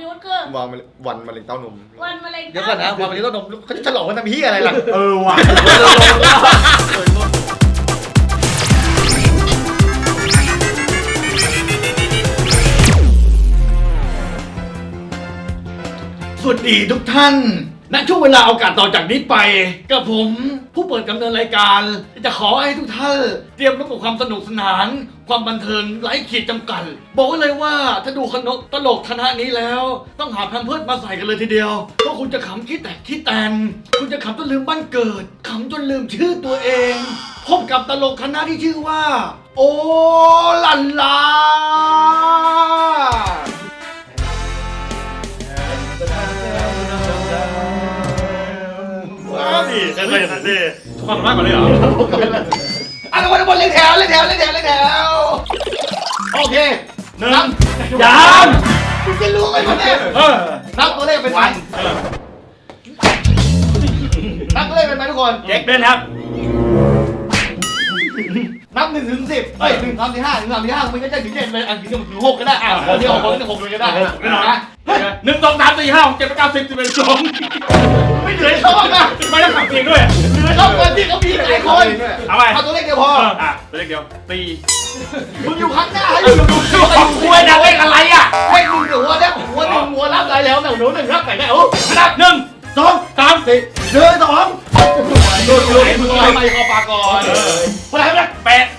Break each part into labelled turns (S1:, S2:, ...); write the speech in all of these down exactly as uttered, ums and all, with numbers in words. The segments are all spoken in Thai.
S1: พี่วุฒิคือ
S2: วันวันมะเร็งเต้านม
S1: วันมะเร็ง
S2: เดี๋ยวก่อนนะวันมะเร็งเต้านมเขาจะฉลองกันทำเหี้ยอะไรล่ะ
S3: เออว่ะสวัสดีทุกท่านณช่วงเวลาโอกาสต่อจากนี้ไปกับผมผู้เปิดดำเนินรายการจะขอให้ทุกท่านเตรียมรับกับความสนุกสนานความบันเทิงไร้ขีดจำกัดบอกไว้เลยว่าถ้าดูคณะตลกคณะนี้แล้วต้องหาแพมเพิร์สมาใส่กันเลยทีเดียวเพราะคุณจะขำคิดแตกคิดแตนคุณจะขำจนลืมบ้านเกิดขำจนลืมชื่อตัวเองพบกับตลกคณะที่ชื่อว่าโอลันลา
S4: นี่เคยเคยอย่างนั้นดิความสามารถก่อนเลยเหรอ
S2: อ่ะทุกคนทุกคนเล่นแถวเล่นแถวเล่นแถวเล่นแถวโอเค
S4: หนึ่ง
S2: นับ
S4: ยาม
S2: คุณจะรู้ไหมวะเนี่ย
S4: เออ
S2: นับตัวเลขเป็นไหม
S4: เออ
S2: นับตัวเลขเป็นไหมทุกคน
S4: เจ๊กเป็นครับ
S2: นับหนึ่งถึงสิบเอ้ยหนึ่งสามสี่ห้าหนึ่งสามสี่ห้ามันก็จะถึงเจ็ดเลยอ่ะถึงถึงหกก็ได้อ่ะคนที่หกคนที่หกเลยก็ได้
S4: ไม่หรอก
S2: นะ
S4: หนึ่งสองสามสี่ห้าหกเจ็ดแปดเก้าสิบสิบเอ็ดสิบสอง
S2: ไม่เหลือช่องนะ
S4: ไม่ต้องขับเองด้วย
S2: เหลือช่องคนที่เขามีหลายคน
S4: เอาไป
S2: เอาตัวเลขเดียวพอ
S4: อ่ะตัวเลขเดียวตี
S2: มึงอยู่ข้างหน้าให้มึงดูสิ
S4: ของคุยนะเลขอะไรอ่ะ
S2: ให้มึงหัวเนี่ยหัวหนึ่งหัวรับได้แล้วแต่หนูหนึ่งรับแต่ได้โอ้
S4: อันดับหนึ่งสองสามสี่
S2: เดินสองดูดูมึงอะไรไปคอปากก่อนคนไหนไม่ได้
S4: แปด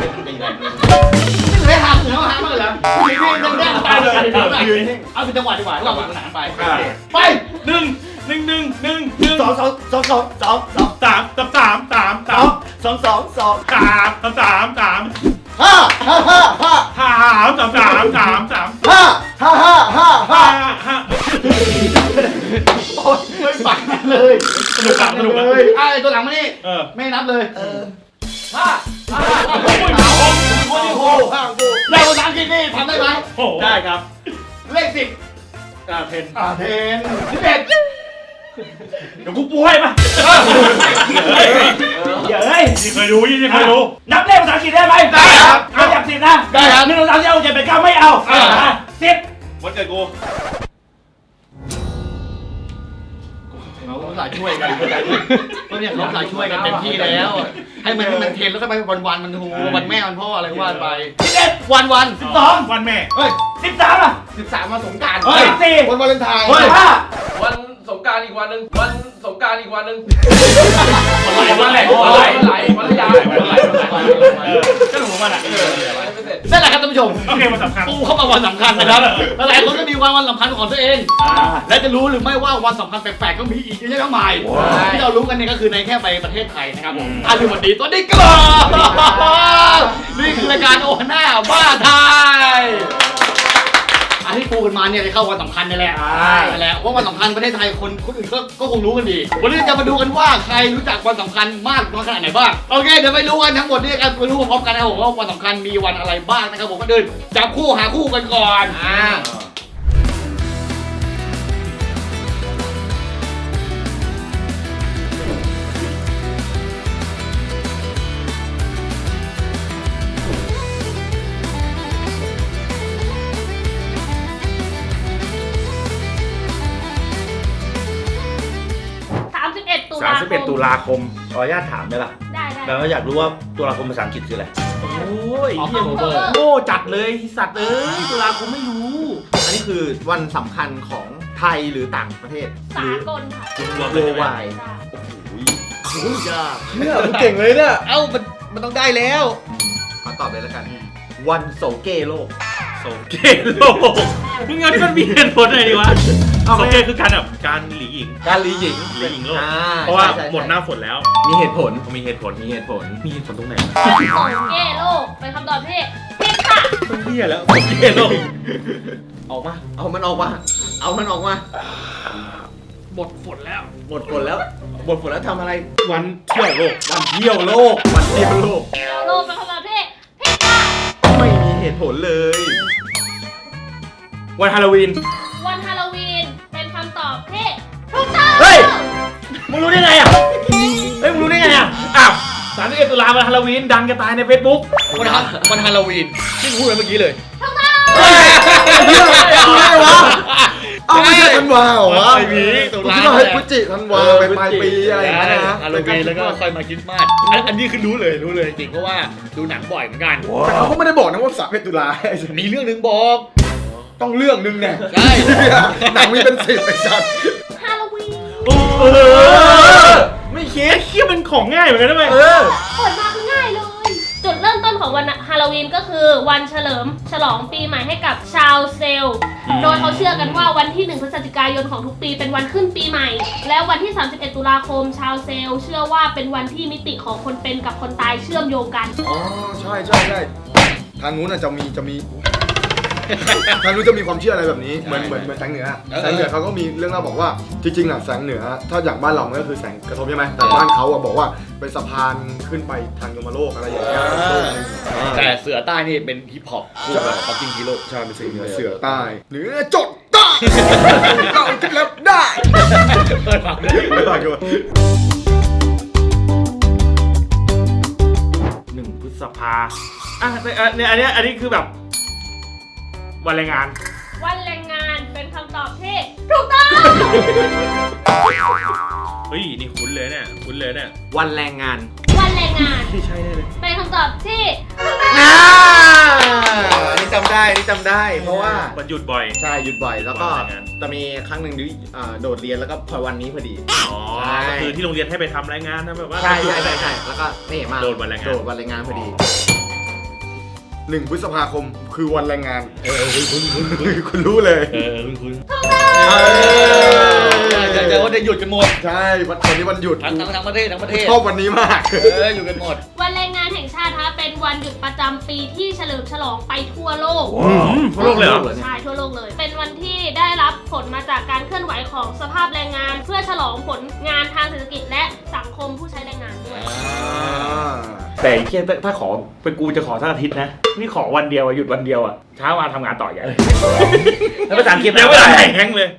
S2: ไม่หาเหนือหามาเหรอพี่พี่นั่งนั่งไปเลยเอาเป็นจังหวะดีกว่าเราหวานขนาดไปไป
S4: หนึ่งหนึ่งหนึ่งหนึ่งหนึ่ง
S2: สองสองสองสองสองสอง
S4: สามสามสามสามสาม
S2: สองสองสอง
S4: สามสามสาม
S2: ห้าห้าห้าห้า
S4: ห้าสามสามสามสาม
S2: ห้าห้าห้าห้าห้า
S4: ห้าห้า
S2: โอ้ยไม่ฝันเลย
S4: สนุกอ่ะสนุก
S2: เล
S4: อ่ะ
S2: ยไอ้ตัวหลังมานี่
S4: เออ
S2: ไม่นับเลยห้าห้า
S4: โอ้ยหนาว
S2: คนที่โหห้ากูเลขภาษาอังกฤษนี่ทำได้ไหม
S4: โอ้ได้ครับ
S2: เลขสิบ
S4: อ่าเทน
S2: อ่าเทนสิบเอ็ด
S4: เดี๋ยวกูปูให้มาเดี๋ยวเฮ้ยนี่เคยดูนี่เคยดูนับเลขภาษาอังกฤษได้ไหมได้ครับเอาจากสิบนะได้ครับหนึ่งสองสามสี่ห้าหกเจ็ดแปดเก้าไม่เอาสิบวันเกิดกู
S2: เขาสายช่วยกันก็เนี่ยเขาสายช่วยกันเต็มที่แล้ว ให้มันให้มันเทนแล้วก็ไปวันวันมันหูวันแม่วันพ่ออะไรก็ว่าไปสิบเอ็ดวันวันสิบสอง
S4: วันแม่
S2: เฮ้ย
S4: สิบสามอ่ะ
S2: สิบสามวันสงกรานต์
S4: เฮ้ยสี่
S2: วันวาเลนไทน์
S4: เฮ้ยห้า
S5: วันสงกรารอีกวันหนึ่งวันสงกรารอีกวันหนึ่ง
S4: วันไหนวันไหน
S5: วันไหลวันไหลวันยาวันไหลวันไหล
S4: ก็หนูมันอ่ะ
S5: ไม่เสร็จ
S2: นั่นแหละครับท่านผู้ชม
S4: โอเคมันสำคัญ
S2: ปูเข้ามาวันสำคัญนะครับหลายคนก็มีวันวันสำคัญของตัวเอง และจะรู้หรือไม่ว่าวันสำคัญแปลกๆก็มีอีกเยอะแยะมากมายที่เรารู้กันเนี่ยก็คือในแค่ไปประเทศไทยนะครับผมอ่ะลืมวันดีตัวนี้ก่อนนี่คือรายการโอฮาน่าบ้าไทยอันที่ปูกันมาเนี่ยจะเข้าวันสำคัญนี่แหละนั่นแหละว่าวันสำคัญประเทศไทยคนคนอื่นก็ก็คงรู้กันดีวันนี้จะมาดูกันว่าใครรู้จักวันสำคัญมากน้อยขนาดไหนบ้างโอเคเดี๋ยวไปรู้กันทั้งหมดนี่กันไปรู้พร้อมกันนะครับผมว่าวันสำคัญมีวันอะไรบ้างนะครับผมก็เดินจับคู่หาคู่กันก่อนอ่า
S1: สามสิบเอ็ดตุลา
S3: สาม
S1: ค
S3: สิบเอ็ด
S1: ม
S3: ตุลาคมขออนุญาตถามได้ป่ะ
S1: ได้ได้
S3: แล้วอยากรู้ว่าตุลาคมภาษาอังกฤษคืออะไร
S6: โอ้ย
S2: ออก
S6: เหี้ย
S2: โอเวอร์
S6: โง่จัดเลยสัตว์เอ้ยตุลาคมไม่รู้
S7: อันนี้คือวันสำคัญของไทยหรือต่างประเทศ
S1: สากลค่ะ
S6: รวม
S7: โล
S6: เลย
S7: วา
S6: ไหม
S7: ย
S1: จ้ะ
S7: โอ้ยยากเนี่ยมันเก่งเลยเนี่ย
S2: เอ้ามันมันต้องได้แล้ว
S7: ขอตอบเลยแล้วกัน วันโสเกโลก
S6: โสเกโลกมึงเอาที่มันมีเหตุผลอะไรดีวะ
S3: โสเกคือการแบบการหลีหญิง
S7: การลีหญิง
S3: หลีหญิงโลก
S7: อ่
S3: เพราะว่า
S7: ใช่ใช่
S3: หมดหน้าฝนแล้ว
S7: มีเหตุผล
S3: มีเหตุผล
S7: มีเหตุผล
S3: มีเหตุผลตรงไหน
S1: โสเกโลกเป็นคำตอบที่ผิดค่ะ
S3: ต้องเที่ยแล้วโสเกโลก
S7: ออกมา เอามันออกมา เอามันออกมา
S2: หมดฝนแล้ว
S7: หมดฝนแล้ว หมดฝนแล้วทำอะไร
S3: วันเที่ยวโลก
S7: วันเที่ยวโลก วันเที่ยวโลก
S1: โลกเป็นคำตอบที่ผิดค่ะ
S7: ไม่มีเหตุผลเลย
S3: วันฮาโลวีน
S1: วันฮาโลวีนเป็นคำตอบที่ถูกต้อง
S3: เฮ้ย มึงรู้ได้ไงอ่ะ เฮ้ย มึงรู้ได้ไงอ่ะ อ้าวสามสิบเอ็ดตุลาวันฮาโลวีนดังจะตายในเฟซบุ๊ก
S2: วันฮาวันฮาโลวีนที่พูดไปเมื่อกี้เลย
S1: ถูกต้อง
S3: เฮ้ย
S7: รู้ได้วะ
S2: ตุ
S7: กู
S2: ลา
S7: คิดว่าเฮ้ยพฤศจิธันวาไปปลายปีอะไรอย่างเงี้ยนะ
S2: ฮาโลวีนแล้วก็ค่อยมาคริสต์มาสอันอันนี้คือรู้เลยรู้เลยจริงเพราะว่าดูหนังบ่อยเหมือนกัน
S7: แต่เขาก็ไม่ได้บอกนะว่าสามสิบเอ็ดตุลา
S2: มีเรื่องหนึงบอก
S7: ต้องเรื่องนึงเนี่ย
S2: ใช่
S7: หนังมีเป็นสิบไอ้สัตว์
S1: ฮาโลวีน
S6: โอ้โห
S7: ไม่คิด
S6: ไอ้เคี้ยมันของง่ายเหมือนกันนะเว้ย
S7: เออ
S1: เปิดมาคือง่ายเลย จุดเริ่มต้นของวันฮาโลวีนก็คือวันเฉลิมฉลองปีใหม่ให้กับชาวเซลล์โดยเขาเชื่อกันว่าวันที่หนึ่งพฤศจิกายนของทุกปีเป็นวันขึ้นปีใหม่ และวันที่สามสิบเอ็ดตุลาคมชาวเซลล์เชื่อว่าเป็นวันที่มิติของคนเป็นกับคนตายเชื่อมโยงกัน
S7: อ๋อใช่ใช่ใช่ทางนู้นน่ะจะมีจะมี ทางนู้นจะมีความเชื่ออะไรแบบนี้เหมือนเหมือนเหมือนแสงเหนือแสงเหนือเขาก็มีเรื่องเล่าบอกว่าจริงๆน่ะแสงเหนือถ้าอย่างบ้านเรามันก็คือแสงกระทบใช่ไหมแต่บ้านเขาอะบอกว่าเป็นสะพานขึ้นไปทางยมโลกอะไรอย่างเงี้ย
S2: แต่เสือใต้นี่เป็นฮิปฮอปคู่กับป๊อปปิ้งฮีโร่
S7: ใช่เป็นสิ่งเหนือเสือใต้เหนือจดใต้เราจะรับได้
S2: เปิดฟังด้วย
S7: ไม่ต่างกัน
S6: หนึ่งพฤษภาอ่ะเนี่ยอันเนี้ยอันนี้คือแบบวันแรงงาน
S1: วันแรงงานเป็นคำตอบที่ถูกต้อง
S6: เฮ้ยนี่คุ้นเลยเนี่ยคุ้นเลยเนี่ย
S7: วันแรงงาน
S1: วันแรงงาน
S6: ที่ใช่แน่เลย
S1: เป็นคำตอบที่
S7: อ่านี่จำได้นี่จำได้ เพราะว่า
S6: วันหยุดบ่อย
S7: ใช่หยุดบ่อยแล้วก็
S6: วันแรงงาน
S7: จะมีครั้งหนึ่งที่อ่าโดดเรียนแล้วก็พอวันนี้พอดี
S6: อ๋อ
S7: ใช่
S6: ก็คือที่โรงเรียนให้ไปทำรายงานนะแบบว่า
S7: ใช่ใช่ใช่ใช่แล้วก็นี่มา
S6: โดดวันแรงงาน
S7: โดดวันแรงงานพอดีหนึ่งพฤษภาคมคือวันแรงงานเออคุณคุณคุณคุณรู้เลย
S2: เออคุณคุณ
S7: เออ
S2: จะจะว่าได้หยุดกันหมด
S7: ใช่วันวันนี้วันหยุด
S2: ทั้งทั้งทั้งประเทศทั้งประเทศ
S7: ชอบวันนี้มาก
S2: เอออยู่กันหมด
S1: วันแรงงานแห่งชาตินะคะเป็นวันหยุดประจำปีที่เฉลิมฉลองไปทั่วโลก
S6: อืมทั่วโลกเลยเหรอ
S1: ใช่ทั่วโลกเลย เป็นวันที่ได้รับผลมาจากการเคลื่อนไหวของสภาพแรงงาน เพื่อฉลองผลงานทางเศรษฐกิจและสังคมผู้ใช้แรงงานด้วย
S6: แต่ไอ้เคียถ้าขอเป็นกูจะขอสักอาทิตย์นะ นี่ขอวันเดียวอะหยุดวันเดียวอะเช้ามาทำงานต่ออย่างแล้วภาษาอังกฤษแล้วเวลาแห้งเลย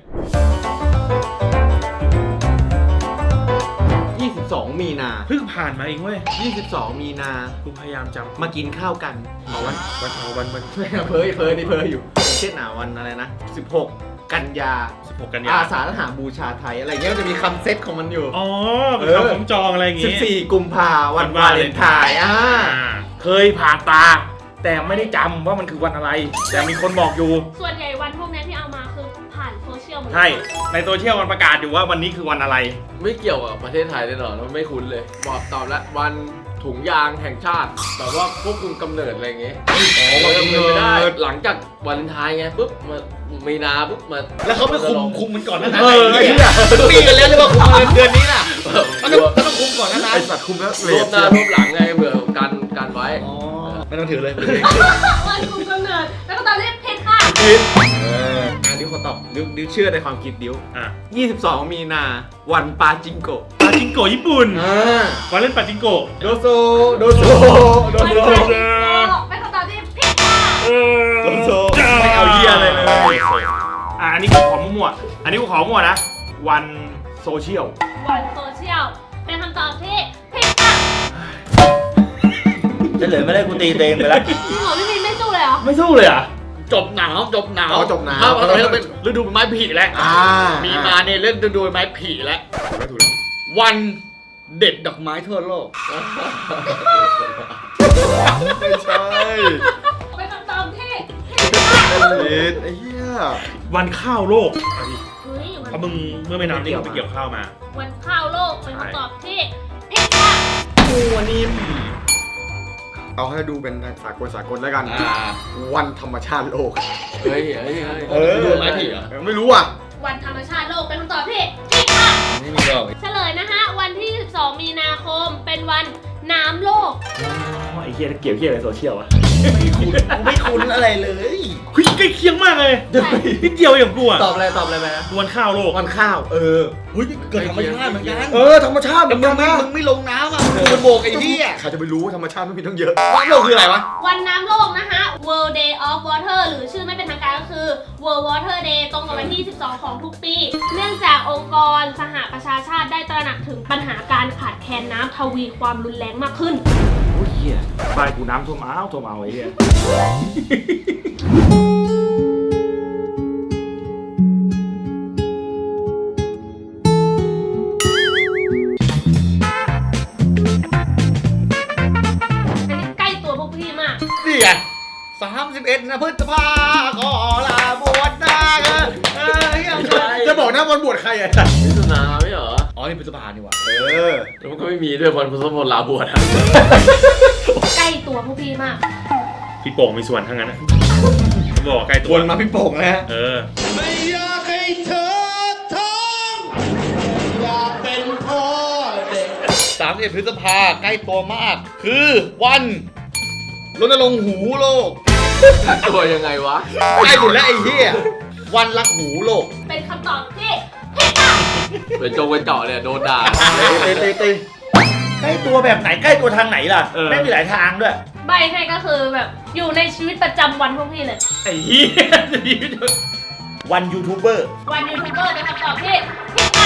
S7: ยี่สิบสองมีนา
S6: เพิ่งผ่านมาเองเว้ย
S7: ยี่สิบสองมีนา
S6: กูพยายามจำ
S7: มากินข้าวกัน
S6: เอาวันวันเอาวันวัน
S7: เพ้อเพ้อเพ้อนี่เพ้ออยู่อย่างเช่นหนาวันอะไรนะสิบหกกันยา
S6: สิบหกกันยา
S7: อาสาฬหาบูชาไทยอะไรเงี้ยมันจะมีคำเซตของมันอยู่
S6: อ๋อเป็นคำผมจองอะไรอย่าง
S7: สิบ
S6: งี้
S7: สี่กุมภาวัน
S6: วัน
S7: วาว
S6: า
S7: เล
S6: เล
S7: น
S6: น
S7: ไท
S6: ไทน์
S7: น์อ่า
S6: อ่าเคยผ่านตา แต่ไม่ได้จำว่ามันคือวันอะไร แต่มีคนบอกอยู่
S1: ส่วนใหญ่วันพวกนี้ที่เอามาคือผ่านโซเชียลหมดเลย
S6: ใช่ ในโซเชียลมันประกาศอยู่ว่าวันนี้คือวันอะไร
S5: ไม่เกี่ยวกับประเทศไทยแน่นอนมันไม่คุ้นเลยบอกตอบแล้ววันถุงยางแห่งชาติแบบว่าควบคุมกำเนิดอะไรอย่างเงี้ยอ๋อมันไม่ได้หลังจากวันไทายไงปุ๊บมามีนาปุ๊บมา
S2: แล้วเขาไปคุมคุมมันก่อนนะนะ
S7: เออไอ้เหี้ย
S2: ปีกันแล้วเลยว่าคุมเดือนนี้น่ะมันต้องมันต้องคุมก่อนนะนะ
S7: ไอสัตว์คุมแล้วเล
S5: รว
S7: ท
S5: บหน้ารวบหลังไงเผื่อกันกันไว้
S2: อ๋อไม่ต้องถือเลย
S1: วันคุมกำเนิดแล้วก็ตอนนี้เพศค่ะ
S7: เอออันนี้ขอตอบดิวดิวเชื่อในความคิดดิว
S6: อ่ะ
S7: ยี่สิบสองมีนาวันปาจิงโกะ
S6: ปาจิงโกะญี่ปุ่น
S7: อ่า
S6: วันเล่นปาจิงโกะ
S7: โดโซโดโซโด
S1: วัน
S7: โซ
S1: ปาจิงโกะเป็นคำตอบที่ผิดค่ะ
S6: เออ
S7: โดโซ
S6: ไม่เอาเยี่ยอะไรเลยอ่ะอันนี้กูขอมั่วๆอันนี้กูขอมั่วนะ วันโซเชียล
S1: วันโซเชียลเป็นคำตอบที่ผิดค่ะ
S4: จะเหลือไม่ได้กูตีเตงไปแล้ว
S1: จริงเหรอพี่มินไม่สู้เลยเหรอ
S6: ไม่สู้เลยอ่ะ
S2: จบหนาวจบหนาว
S7: อ๋อจบหนาว
S2: ถ้าตอนนี้เราเป็นฤดูใบไม้ผลิแล้ว
S7: อ่า
S2: มีนาเนี่ยเล่นฤดูใบไม้ผลิแล้ว
S7: ไม่ถูกแล้ว
S2: วันเด็ดดอกไม้ทั่วโลก
S7: ไม่ใช่
S1: เป็นคำตอบที่
S7: เลทไอ้เหี้ย
S6: วันข้าวโลก
S1: เฮ้ยวัน
S6: เพราะมึงเมื่อไม่นานนี้มึงไปเกี่ยวข้าวมา
S1: วันข้าวโลกเป็นคำตอบที่ผิดค่ะ
S7: ตัวนิ่มเอาให้ดูเป็นสากลสากลแล้วกัน
S2: อ่า
S7: วันธรรมชาติโลก
S5: เฮ้ยเฮ้ยเฮ้ย
S7: เออ
S2: ฤดูใบไม้ผลิเหรอ
S7: ไม่รู้อ่ะ
S1: วันธรรมชาติโลกเป็นคำตอบที่ผิดค่ะ
S2: ไม่มีหรอก
S1: เฉลยนะคะวันที่สิบสองมีนาคมเป็นวันน้ำโลก
S6: ไอ้เฮียเกี่ยวเฮียอะไรโซเชียลวะ
S2: ไม่คุ้นอะไรเลย
S6: เฮ้ยใกล้เคียงมากเลยนิดเดียวอย่างกูอ่ะ
S7: ตอบอะไรตอบอะไรไปนะ
S6: วันข้าวโลก
S7: วันข้าว เออ
S2: เฮ้ยเกิดธรรมชาติเหมือนกัน
S7: เออธรรมชาติเห
S2: แต่
S7: มือน
S2: มึ
S7: กั
S2: ง
S7: น
S2: ไม่
S7: นะ
S2: มึงไม่ลงน้ำอ่ะมึงโบกไอ้ที่อ่ะ
S7: ใครจะไปรู้ว่าธรรมชาติมันมีตั้งเยอะ
S2: น้ำโลกคืออะไรวะ
S1: วันน้ำโลกนะคะ World Day of Water หรือชื่อไม่เป็นทางการก็คือ World Water Day ตรงกับวันที่ สิบสอง ของทุกปี เนื่องจากองค์กรสหประชาชาติได้ตระหนักถึงปัญหาการขาดแคลนน้ำทวีความรุนแรงมากขึ้น
S6: โอ้ยเฮียบ้านกูน้ำท่วมอ้าวท่วมเอาไอ้เฮีย
S2: พฤษภาขอลาบวชนาเออเออ
S7: จะบอกนะวันบวชใครอ่ะ
S5: มิถุนาไม่เหรอ
S2: อ๋อนี่พฤษภานี่หว่า
S7: เออ
S5: แล้วมันก็ไม่มีด้วยวันพุทธมนต์ลาบวชอะ
S1: ใกล้ตัวพวกพี่มาก
S6: พี่โป่งมีส่วนทั้งนั้นนะบอกใกล้ตัว
S7: วนมาพี่โป่งนะฮะ
S6: เออ
S3: ไม่อยากให้เธอท้องอยากเป็นพ่อเด็ก
S2: สามสิบเอ็ดพฤษภาใกล้ตัวมาก คือวันรณรงค์หูโลก
S5: ตัวยังไงวะ
S2: ใกล้ถึงแล้วไอ้เหี้ยวันรักหูโลก
S1: เป็นคำตอบที่ผิดค่ะ
S5: เป็นจงเป็นเจาะเนี่ยโดนด่า
S7: เตะเตะเตะ
S6: ใกล้ตัวแบบไหนใกล้ตัวทางไหนล่ะ
S4: เออ
S6: ไม่มีหลายทางด้วย
S1: ใบให้ก็คือแบบอยู่ในชีวิตประจำวันพวกพี่เลย
S6: ไอ้เหี้ยวันยูทูบเบอร์
S1: วันยูทูบเบอร์เป็นคำตอบที่ผิดค่ะ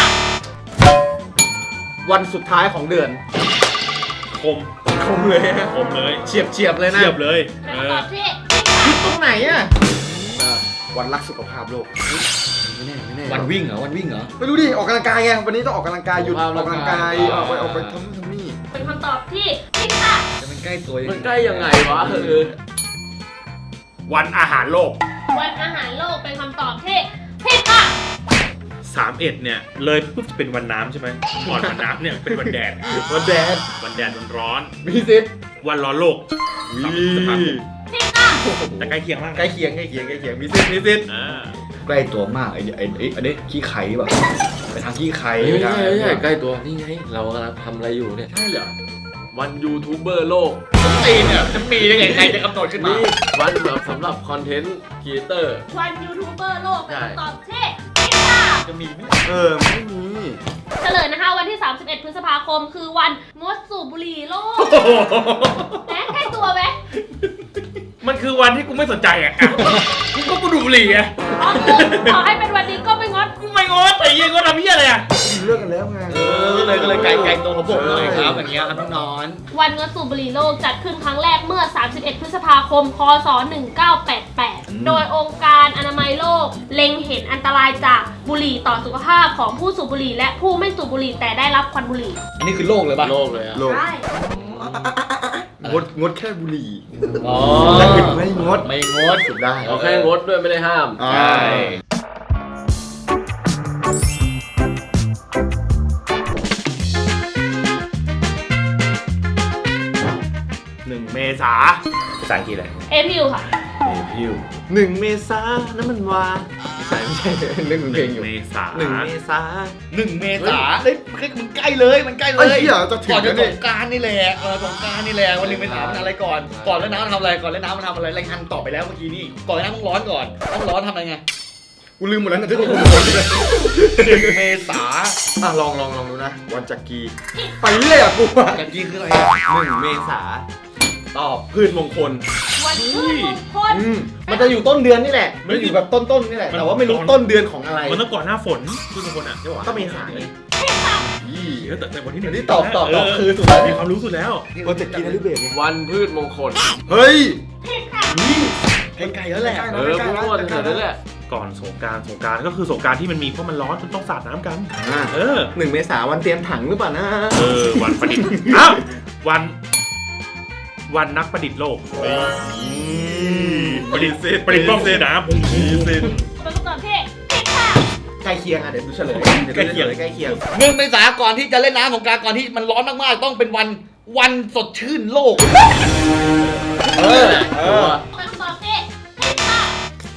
S7: วันสุดท้ายของเดือน
S6: คม
S7: คมเลยฮะ
S6: คมเลย
S7: เฉียบเฉียบเลยนะ
S6: เทียบเลย
S1: เป็น
S6: เอ
S1: คำ
S6: อ
S1: ตอบที่ผิดค่ะ
S7: ตรงไหนอ่ะวันรักสุขภาพโลกไม่แน่ไม่แน่
S2: วันวิ่งเหรอวันวิ่งเหรอ
S7: ไม่รู้ดิออกกำลังกายไงวันนี้ต้องออกกำลังกายหยุดออกกำลังกายออกไปออกไปทำนู่นทำนี่
S1: เป็นคำตอบที่ผิดค่ะ
S2: จะมันใกล้ตัวยัง
S5: มัน
S2: ไง
S5: ใกล้ยังไงวะเออ
S6: วันอาหารโลก
S1: วันอาหารโลกเป็นคำตอบที่ผิดค่ะ
S6: สามเอ็ดเนี่ยเลยปุ๊บจะเป็นวันน้ำใช่ไหมก่อนวันน้ำเนี่ยเป็นวันแดด
S7: วันแดด
S6: วันแดดวันร้อน
S7: มีสิทธิ์
S6: วันร้อนโลกสามสิบพฤษภาคม
S1: ผิดค่ะ
S6: แต่ใกล้เคียงมาก
S7: ใกล้เคียงใกล้เคียงใกล้เคียงมีสิทธิ์มีสิทธิ์
S6: อ่า
S2: ใกล้ตัวมากไอ้ไอ้ไอ้อันนี้ขี้ไข่แบบไปทางขี้ไข่
S5: ไม่ใช่ไม่ใช่ใกล้ตัวนี่ไงเรากำลังทำอะไรอยู่เนี่ย
S7: ใช่เหรอ
S5: วันยูทูบเบอร์โลก
S2: ตีเนี่ยจะมีได้ไงใครจะกำหนดขึ้นมา
S5: นี่วันแบบสำหรับคอนเทนต์ครีเอเตอร์
S1: วันยูทูบเบอร์โลกเป็น
S5: ใช่
S1: คำตอบที่ผิดค่ะ
S6: จะมีไหม
S7: เออไม่มี
S1: เฉลยนะคะวันที่ สามสิบเอ็ด พฤษภาคมคือวันงดสูบบุหรี่โลกแหมใกล้ตัวไหม
S6: มันคือวันที่กูไม่สนใจอ่ะกูก็กูดูบุหรี่อ่ะ
S1: อ๋อคือขอให้เป็นวันนี้ก็ไม่งด
S6: กูไม่งดแต่ยังก็ทำเหี้ยอะไรอ่ะ
S7: เลิกกันแล้วไง
S2: เออเลยก็เลยไกลไกลตัวของผมหน่อยครับอย่างเงี้ยครับน้อง
S1: วันงดสูบบุหรี่โลกจัดขึ้นครั้งแรกเมื่อ สามสิบเอ็ด พฤษภาคม คศ หนึ่งเก้าแปดแปด โดยองค์การอนามัยโลก เล็งเห็นอันตรายจากบุหรี่ต่อสุขภาพของผู้สูบบุหรี่และผู้ไม่สูบบุหรี่แต่ได้รับควันบุหรี่
S2: อันนี้คือโลกเลยป่ะ
S5: โลกเลยอะ
S7: โลก
S1: ใช่
S7: งดงดแค่บุหรี่
S2: อ๋อ
S7: แล้วอื่นไม่งด
S2: ไม่งด
S7: สุดได้
S5: เราแค่งดด้วยไม่ได้ห้าม
S7: อ่า
S2: ใช่
S6: หนึ่งเมษาภาษาอังกฤษอะไร
S1: เอพิวค่ะ
S7: พิวหนึ่งเมษาน้ำมันวาไม่ใช่ไม่ใช่เรื่องเพลงอยู่
S6: เมษา
S7: หนึ่งเมษา
S2: หนึ่งเมษาเฮ้ยมึงใกล้เลยมันใกล้เล
S7: ไอ้
S2: ย
S7: เหี้ยจะถึง
S2: ก่อนจะ
S7: แล้ว
S2: ส
S7: เนี่ย
S2: งกรารนี่แหละเออสงกรารนี่แหละวันหนึ่งเมษามันอะไรก่อน ก่อนแล้วน้ำมันทำอะไรก่อนแล้วน้ำมันทำอะไรรายงานต่อไปแล้วเมื่อกี้นี่ก่อนแล้วน้ำต้องร้อนก่อนต้องร้อนทำอะไรไง
S7: กูลืมหมดแล้วนะที่ต้องพูดเลย
S2: หนึ่งเมษา
S7: อ่ะลองลองลองดูนะ วันจักรีไปเรื่อยอ่ะกูอ่ะ
S2: กันกี้คืออะไร
S7: หนึ่งเมษาตอบพืชมงคล
S1: วันพืชมงคล
S7: อืมมันจะอยู่ต้นเดือนนี่แหละมันอยู่แบบต้นๆนี่แหละ แต่ว่าไม่รู้ต้นเดือนของอะไร
S6: มันต้องก่อนหน้าฝนคือทุกคนอ่ะใช่ป่ะ
S7: ก็เมษาไง
S6: อีเออแต่แต่วันที่หนึ่ง
S7: นี่ตอบตอบตอบคือสุดแล้ว
S6: มีความรู้สุดแล้ว
S7: วันจักรีนะลิเบกไง
S5: วันพืชมงคล
S7: เฮ้ย
S1: ผิดค่ะ
S2: ไกลๆแล้วแหละ
S5: เออพูดมั่วแถวๆนั้นแหละ
S6: ก่อนสงกรารสงกรารก็คือสงกรารที่มันมีเพราะมันร้อนจนต้องสาดน้ำกัน
S7: อ่ะ
S6: เออ
S7: หนึ่งเมษาวันเตรียมถังหรือเปล่านะ
S6: เออ วันประดิษฐ์ อ้าววัน วันนักประดิษฐ์โลกประดิษฐ์ประดิษฐ์บ้องเซน้ำผมมีเซน
S1: เป็นคำตอบที่ผิดค่ะ
S7: ใกล้เคียงอ่ะเดี๋ยวดูเฉลย
S6: ใกล้เคียง
S7: ใกล้เคียง
S2: หนึ่งเมษาก่อนที่จะเล่นน้ำสงกรารก่อนที่มันร้อนมากๆต้องเป็นวันวันสดชื่นโลก
S7: เออเออ
S1: เป็นคำตอบที่ผิดค่ะ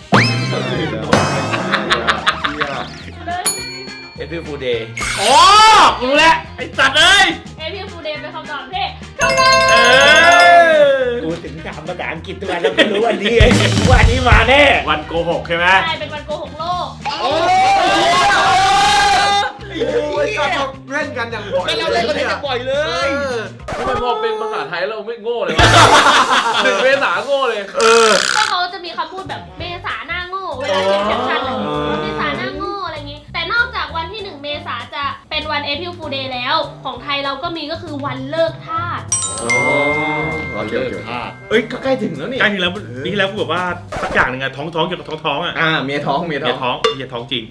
S6: เอพิฟูเดย์อ๋อรู้แล้วไอ้สัตว์เอ้ย
S1: เอพิวฟูเดย์เป็นคำตอบที่ถูกต้อง
S6: เออกูถึงถามภาษาอังกฤษทุกวันแล้วก็รู้วันนี้ไอ้วันนี้มาแน่วันโกหกใช่ไหม
S1: ใช่เป็นวันโกหกโลก
S7: โอ้ยก็ชอบเล่นกันอย่างบ่อย
S2: ก็เราเล่นกันได้บ่อยเล
S7: เอย อ
S5: ทำไมพอเป็นภาษาไทยเราไม่โง่เลยวะหนึ่งเมษาโง่เลย
S7: เออ
S1: ก็เขาจะมีคำพูดแบบเมษาหน้าโง่เวลาเขียนแคปชั่นอะเมษาหน้าโง่อะไรอย่างงี้ แต่นอกจากวันที่หนึ่งเมษาจะเป็นวัน April Fool Day แล้ว ของไทยเราก็มีก็คือวันเลิกทาส
S7: โอเคโอเค
S6: เอ้ยก็ใกล้ถึงแล้วนี่ใกล้ถึงแล้วปีที่แล้วกูแบบว่าสักอย่างหนึ่งอะท้องท้องเกี่ยวกับท้องท้องอะ
S7: อ่าเมียท้องเมียท้
S6: เมี
S7: อย ง
S6: ท้องเมียท้องจริง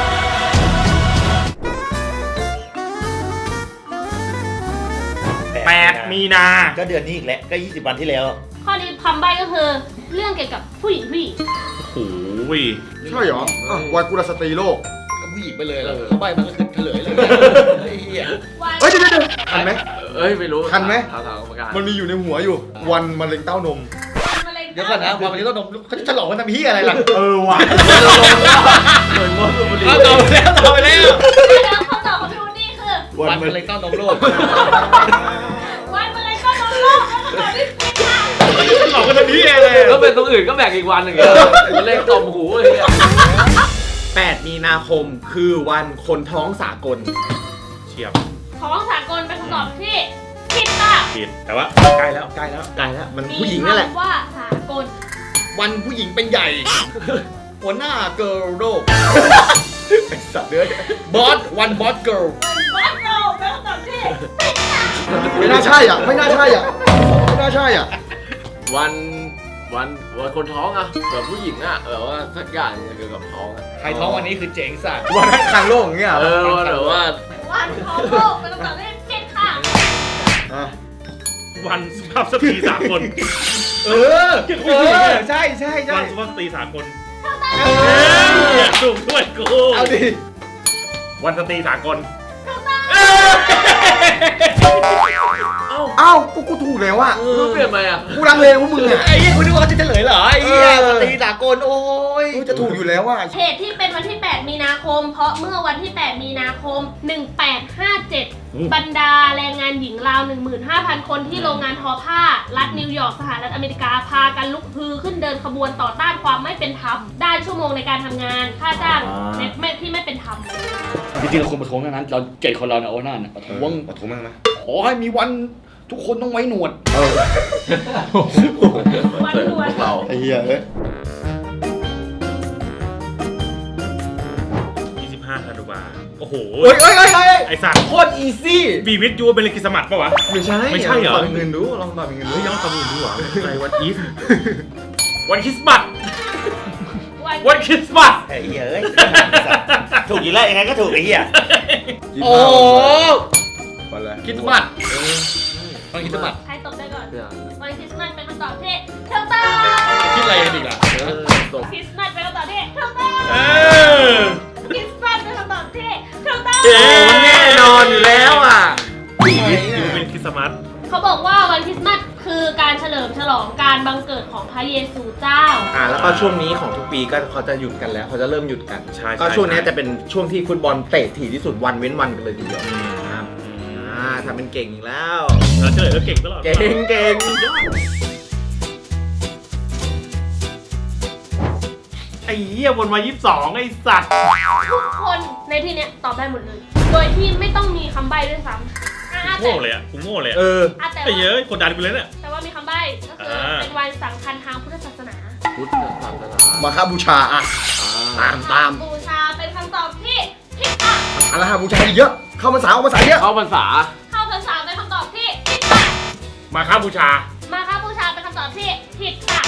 S6: แปดมีนาก็เดือนนี้อีกแล้วก็ยี่สิบวันที่แล้ว
S1: ข้อนี้คำใบ้ก็คือเรื่องเกี่ยวกับผู้หญิงผู้หญิง
S6: โอ้ย
S7: ใช่เหรออ่ะวันกุลสตรีโลก
S2: ก็ผู้หญิงไปเลยแล้วเขาใบมันก็คือเฉลยเลยไอ้เหี้ย
S1: วัน
S7: เฮ้ยเดี๋ยวเดี๋ยวทันไหม
S5: เอ้ยไม่รู้
S7: ทันไหม
S5: ถามถามกรรมการ
S7: มันมีอยู่ในหัวอยู่ วันมะเร็งเต้านม
S1: มะเร็ง
S2: เดี๋ยวก่อนนะวันนี้ต้องนมเขาจะฉลองกันทำเหี้ยอะไรล่ะ
S6: เออว่ะ
S5: เหมือนมดบุรี
S2: เอาต่อไปแล้วต่อไปแล้ว
S1: แล้วคำตอบของพี่วูดดี้คือ
S2: วันมะเร็งเต้านมโลก
S1: วันมะเร็งก็นมโลกแล้วคำตอบที่ผิดค่ะ
S6: หลอกกันทำนี้เลย
S5: แล้วเป็นตรงอื่นก็แบ่งอีกวันหนึ่งเงี้ยมันเล่นตอมหูเลยเนี่ย
S8: แปดมีนาคมคือวันคนท้องสากล
S6: เฉียบ
S1: ของสากลเป็นคำตอบที่ผิดค่ะ
S6: ผิดแต่ว่าใกล้แล้วใกล้แล้ว
S8: ไกลแล้วมัน
S1: มี
S8: ผู้หญิงนั่นแหละ
S1: คำว่าสากล
S2: วันผู้หญิงเป็นใหญ่ หัวหน้าเกิร์ลโลก
S8: ไอ้สัตว์เนื้อบ
S2: อสวันบอสเกิร์ล
S1: วันบอสโลกเป็นคำตอบที่ผิดค่ะ
S7: ไม่น่าใช่อ่ะ ไม่น่าใช่อ่ะ ไม่น่าใช่อ่ะ
S5: วันวันวันคนท้องอะแบบผู้หญิงอะแบบว่าสักอย่างเกี่ยวกับท้องอะ
S2: ใครท้องวันนี้คือเจ๋งสัตว์
S7: วันให้ทางโลกอย่างเงี้ย
S5: เออว่าแบบว่า
S1: วันของโลกเป็นคำตอบที่ผิดค่ะ
S7: อ่ะ
S6: วันสุภาพสตรีสากล
S7: เออ เออ ใช่ใช่ใช่
S6: วันสุภาพสตรีสากลถูกด้วยกู
S7: เอาดิ
S6: วันสตรีสากล
S7: เอ้ากูกูถูกแล้วอ่ะ
S5: เออเปลี่ยนไปอะ
S7: กูลังเลพวกมึงอ่ะ
S2: ไอ้เหี้ยคุณนึกว่าเขาจะเฉลยเหรอไอ้เหี้ย
S7: เออ
S2: สตรีสากลโอ้ย
S7: กูจะถูกอยู่แล้วอ่ะ
S1: เหตุที่เป็นวันที่ แปด มีนาคม เพราะเมื่อวันที่ แปด มีนาคม หนึ่งแปดห้าเจ็ด บรรดาแรงงานหญิงราว หนึ่งหมื่นห้าพัน คนที่โรงงานทอผ้า รัฐนิวยอร์กสหรัฐอเมริกาพากันลุกฮือขึ้นเดินขบวนต่อต้านความไม่เป็นธรรม ด้านชั่วโมงในการทำงาน ค่าจ้างในไม่ที่ไม่เป็นธรรม
S2: จริงๆเราควรประท้วงทั้งนั้น เราเจ็ดคนเราเนี่ยโอ้หน้าเนี่ยประท้วง
S7: ประท้วงมั้งไหม
S2: ขอให้มีวันทุกคนต้องไว้หนวด
S7: เออ
S1: วันรวย
S5: เรา
S7: ไอ้เหี้ยเอ้ย
S6: ยี่สิบห้าธันวาโอ้โห
S7: เฮ้ยเฮ้ยเฮ้ยเฮ้ย
S6: ไอสัตว์
S7: โคตรอีซี่
S6: บีวิทยูเป็นเลกิสมัตปะวะ
S7: ไม่ใช่
S6: ไม่ใช่เหรอ
S7: ลองตอบเป็นเงินดู ลองตอบเป็นเงินดู
S6: เฮ้ยย้อนคำอื่นดีกว่าอะไรวันอีฟวันคริสต์มาส
S1: วัน
S6: วันคริสต์มาส
S8: ไอ้เหี้ยเอ้ยถูกอยู่แล้วยังไงก็ถูกไอ้เหี้ย
S7: ยี่สิบ
S2: โอ้
S7: ห้าวันอะไร
S2: คิดสมัดต้องคิดสมัด
S1: ใครตบได้ก่อน
S5: เนี่ย
S1: วันคริสต์มาสเป็นคำตอบที่ถูกต้อง
S2: คิดอะไรกันอีกอ่ะ
S5: เออตก
S1: คริสต์มาสเป็นคำตอบที่ถูกต้อง
S6: เออ
S1: คริสต์มาสเป็นคำตอบที่ถูกต้อง
S6: เอ๊ะ
S8: มันแน่นอนอยู่แล้วอ่ะ
S6: บีวิทยูเป็นคริสต์มาส
S1: เขาบอกว่าวันคริสต์มาสคือการเฉลิมฉลองการบังเกิดของพระเยซูเจ้า
S8: อ่าแล้วก็ช่วงนี้ของทุกปีก็เขาจะหยุดกันแล้วเขาจะเริ่มหยุดกัน
S6: ใช่ใช่
S8: ก็ช่วงนี้จะเป็นช่วงที่ฟุตบอลเตะถี่ที่สุดวันเว้นวันกันเลยทีเดียวครับอ่าทำเป็นเก่งอีกแล้ว
S6: เราเฉลยก็เก่งตลอด
S8: เก่งเก่ง
S6: ไอ้เหี้ยวนมายี่สิบสองไอ้สัตว์
S1: ทุกคนในที่เนี้ยตอบได้หมดเลย โดยที่ไม่ต้องมีคำใบ้ด้วยซ้ำอ่ะแต่
S6: โง่เลยอ่ะกูโง่เลย
S8: เอ
S6: อ่ะ
S8: อ
S1: อ่ะแต่
S6: ไอ้เหี้ย
S1: ว่า
S6: กดดันกูเลยเนี่ย
S1: แต่ว่ามีคำใบ้ก็คืออา เป็นวันสำคัญทางพุทธศาสนา
S5: พุทธศาสนา
S7: มาค่าบูชาอ่ะ ตามตาม
S1: บูชาเป็นคำตอบที่ผิดค่ะ
S7: อะไรฮะบูชาอีกเยอะ เข้ามาสาวมาสายเยอะ
S5: เข้าพรรษา
S1: เข้าพรรษาเป็นคำตอบที่ผิดค่ะ
S6: มาค้าบูชา
S1: มาค้าบูชาเป็นคำตอบที่ผิดค่ะ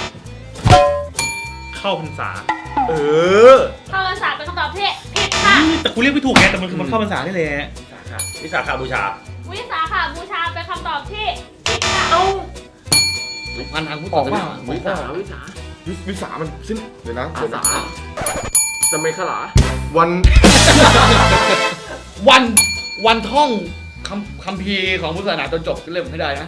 S6: เข้าพรรษา
S8: เออ
S1: เข้าพรรษาเป็นคำตอบที่ผิดค่ะ
S6: แต่กูเรียกไม่ถูกไงแต่มันคือมันเข้าพรรษาได้เลยวิสาขาบูชา
S1: วิสาขาบูชาเป็นคำตอบที่ผิดค่ะ
S2: สุพรรณทางพุทธ
S7: ออกมา
S5: วิสาวิสา
S7: วิวิสามันสิ้นเดี๋ยวนะ
S5: อาสาจะไม่ขลา
S7: วัน
S2: วันวันท่องคำคำพีร์ของพุทธศาสนาจนจบเล่มให้ได้นะ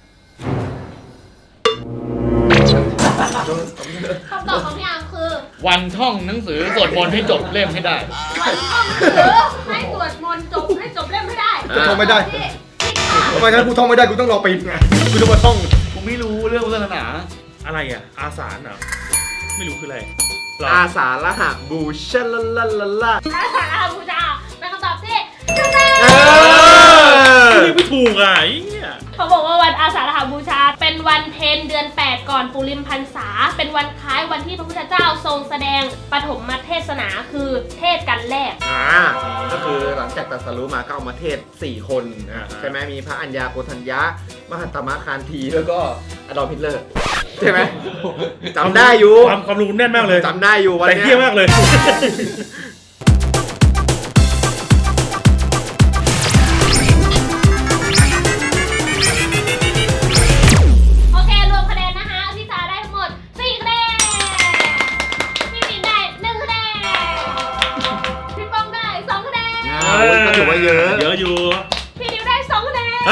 S1: คำตอบของพี่อาร์มคือ
S2: วันท่องหนังสือสวดมนต์ให้จบเล่มให้ได้
S1: วันท่องหนังสือให้สวดมนต์จบให้จบเล่มให้ได้
S7: จะท่องไม่ได้
S1: ที่ผิดค่ะ
S7: ทำไมงั้นกูท่องไม่ได้กูต้องรอปีไงกูต้องมาท่อง
S2: กูไม่รู้เรื่องพุทธศาสนา
S6: อะไรอ่ะ อาสาเหรอไม่รู้คืออะไรหรอ
S8: อาสาละหะบูชาลาลาลาลา
S1: อาสาฬหบูชาเป็นคำตอบที่ถูกต้อง
S8: เออ
S6: เรียกไม่ถูกอ่ะไอ้เหี้ย
S1: เขาบอกว่าวันอาสาฬหบูชา เป็นวันเพ็ญเดือนแปดก่อนปุริมพรรษา เป็นวันคล้ายวันที่พระพุทธเจ้าทรงแสดงปฐมเทศนาคือเทศกันแรก
S8: อ่าก็คือหลังจากตรัสรู้มาก็เอามาเทศสี่คนอ่ะใช่ไหมมีพระอัญญาโกณทัญญะมหัตตมะคานธีแล้วก็อดอล์ฟฮิตเลอร์ใช่ไหมจำได้อยู่
S6: ความความรู้แน่นมากเลย
S8: จำได้อยู่วัน
S6: แต่
S8: เนี้
S6: เที่ยมากเลย
S8: อ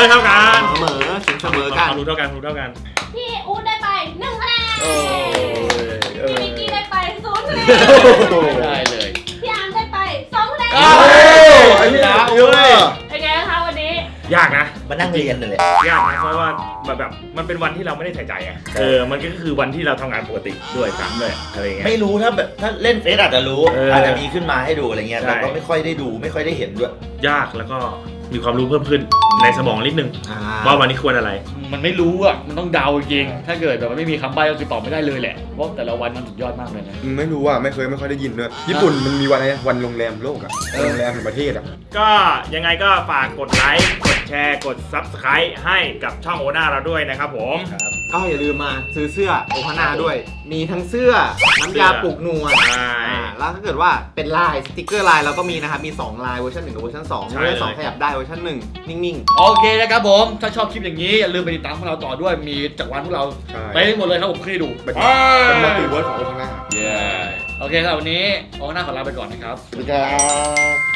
S6: เท่ากัน
S8: เสมอถึงเสมอกัน
S6: รู้เท่ากันรู้เท่ากัน
S1: พี่อู๊ดได้ไปหนึ่งคะแนน
S2: โอ้ย
S1: พี่มิกกี้ได้ไปศูนย์คะแนน
S2: ได้เลย
S1: พี่อาร์มได้ไปสองคะแนน
S2: เอ้ยไอ้พี่ดาวเว้ย
S1: เป็นไงคะวันนี้
S6: ยากนะ
S9: มานั่งเรียนเลยแหละ
S6: ยากนะเพราะว่าแบบแบบมันเป็นวันที่เราไม่ได้ใส่ใจอ่ะเออมันก็คือวันที่เราทำงานปกติด้วยซ้ำเลยอะไรเงี้ย
S9: ไม่รู้ถ้าแบบถ้าเล่นเฟซอาจจะรู้
S6: เอออ
S9: อาจจะมีขึ้นมาให้ดูอะไรเงี้ย
S6: ใช่
S9: แต่ก็ไม่ค่อยได้ดูไม่ค่อยได้เห็นด้วย
S6: ยากแล้วก็มีความรู้เพิ่มขึ้นในสมองนิดนึง
S8: อ่า
S6: ว่าวันนี้ควรอะไร
S2: มันไม่รู้อ่ะ มันต้องเดาจริงๆถ้าเกิดแบบว่าไม่มีคำใบ้ก็คือตอบไม่ได้เลยแหละ เพราะแต่ละวันมันสุดยอดมากเลยนะ
S7: ไม่รู้อ่ะไม่เคยไม่ค่อยได้ยินด้วยญี่ปุ่นมันมีวันอะไรนะวันโรงแรมโลกอ่ะโรงแรมแห่งประเทศอ่ะ
S6: ก็ยังไงก็ฝากกดไลค์กดแชร์กด ซับสไครบ์ ให้กับช่องโอน่าเราด้วยนะครับผม
S8: ก็อย่าลืมมาซื้อเสื้อโอฮาน่าด้วย มีทั้งเสื้อน้ำยาปลุกหนวด
S6: ใช่
S8: อ่าแล้วถ้าเกิดว่าเป็นลายสติกเกอร์ลายเราก็มีนะครับมีสองลายเวอร์ชันหนึ่งกับเวอร์ชันสอง
S6: ใช่
S8: เวอร์ชันสอง
S6: เลย
S8: ขยับได้เวอร์ชันหนึ่งนิ่ง
S2: โอเคนะครับผม ถ้าชอบคลิปอย่างนี้ อย่าลืมไปติดตามพวกเราต่อด้วย มีจักรวาลพวกเรา
S7: ใช่
S2: ไปให้หมดเลยครับผมเคยดู
S7: เป็นเป็นมัลติเวิร์สของโอฮาน่า
S2: เย้โอเคครับวันนี้โอน่าขอลาไปก่อนนะครับ
S7: สวัสดีครับ